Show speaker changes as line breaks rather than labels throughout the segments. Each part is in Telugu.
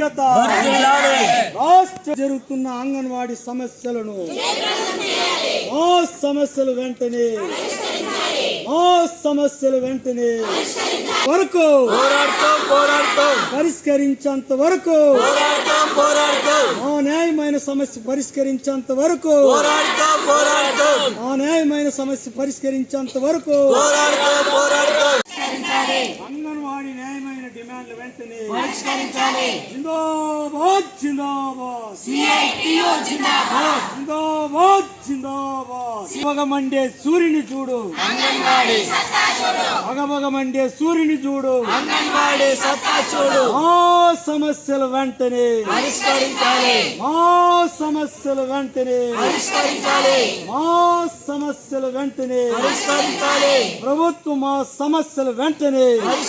ఐక్యత రాష్ట్ర జరుగుతున్న అంగన్వాడీ సమస్యలను వెంటనే వరకు పరిష్కరించేంత వరకు ఆ న్యాయమైన సమస్య పరిష్కరించేంత వరకు అంగన్వాడీ న్యాయమైన డిమాండ్లు వెంటనే పరిష్కరించాలి. జిందాబాద్ జిందాబాద్ జిందాబాద్ జిందాబాద్. మండే సూర్యుని చూడు మండే సూర్యుని చూడు ఆ సమస్యలు వెంటనే పరిష్కరించాలి. ప్రభుత్వం మా సమస్యలు వెంటనే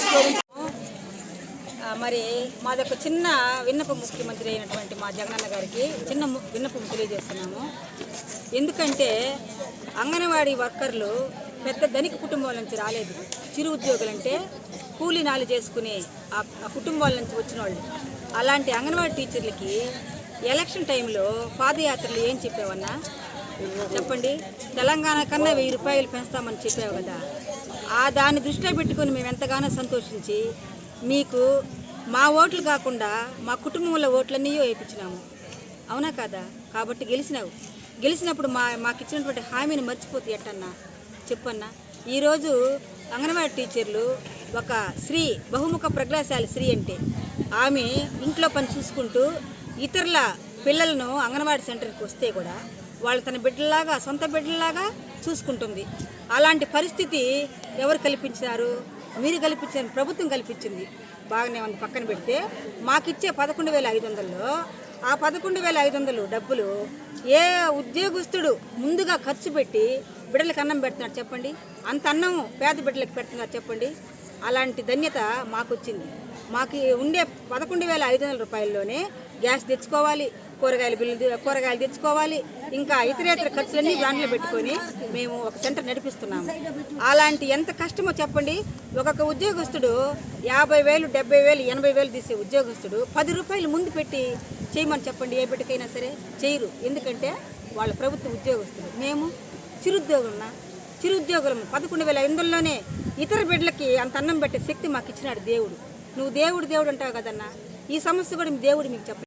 మరి మాదొక చిన్న విన్నపం ముఖ్యమంత్రి అయినటువంటి మా జగనన్న గారికి చిన్న విన్నపం తెలియజేస్తున్నాము. ఎందుకంటే అంగన్వాడీ వర్కర్లు పెద్ద ధనిక కుటుంబాల నుంచి రాలేదు. చిరు ఉద్యోగులంటే కూలీ నాలి చేసుకునే ఆ కుటుంబాల నుంచి వచ్చిన వాళ్ళు. అలాంటి అంగన్వాడీ టీచర్లకి ఎలక్షన్ టైంలో పాదయాత్రలు ఏం చెప్పావన్నా చెప్పండి. తెలంగాణ కన్నా 1000 రూపాయలు పెంచుతామని చెప్పావు కదా. దాన్ని దృష్టిలో పెట్టుకొని మేము ఎంతగానో సంతోషించి మీకు మా ఓట్లు కాకుండా మా కుటుంబంలో ఓట్లన్నీ వేయించినాము. అవునా కాదా? కాబట్టి గెలిచినప్పుడు మాకు ఇచ్చినటువంటి హామీని మర్చిపోతే ఎట్టన్నా చెప్పన్నా. ఈరోజు అంగన్వాడీ టీచర్లు ఒక స్త్రీ, బహుముఖ ప్రజ్ఞాశాలి స్త్రీ అంటే ఆమె ఇంట్లో పని చూసుకుంటూ ఇతరుల పిల్లలను అంగన్వాడీ సెంటర్కి వస్తే కూడా వాళ్ళు తన బిడ్డలాగా, సొంత బిడ్డలాగా చూసుకుంటుంది. అలాంటి పరిస్థితి ఎవరు కల్పించారు? మీరు కల్పించారు, ప్రభుత్వం కల్పించింది. బాగానే ఉంది. పక్కన పెడితే మాకిచ్చే 11,500లో ఆ 11,500 డబ్బులు ఏ ఉద్యోగస్తుడు ముందుగా ఖర్చు పెట్టి బిడ్డలకు అన్నం పెడుతున్నాడు చెప్పండి? అంత అన్నం పేద బిడ్డలకు పెడుతున్నారు చెప్పండి? అలాంటి ధన్యత మాకు వచ్చింది. మాకు ఉండే 11,500 రూపాయల్లోనే గ్యాస్ తెచ్చుకోవాలి, కూరగాయలు తెచ్చుకోవాలి, ఇంకా ఇతరేతర ఖర్చులన్నీ బ్రాండ్లో పెట్టుకొని మేము ఒక సెంటర్ నడిపిస్తున్నాము. అలాంటి ఎంత కష్టమో చెప్పండి. ఒక్కొక్క ఉద్యోగస్తుడు 50,000, 70,000, 80,000 తీసే ఉద్యోగస్తుడు 10 రూపాయలు ముందు పెట్టి చేయమని చెప్పండి. ఏ బిడ్డకైనా సరే చేయరు. ఎందుకంటే వాళ్ళ ప్రభుత్వ ఉద్యోగస్తులు. మేము చిరుద్యోగులము 11,500లోనే ఇతర బిడ్డలకి అంత అన్నం పెట్టే శక్తి మాకు ఇచ్చినాడు దేవుడు. నువ్వు దేవుడు అంటావు కదన్నా. ఈ సమస్య కూడా దేవుడు మీకు చెప్పండి.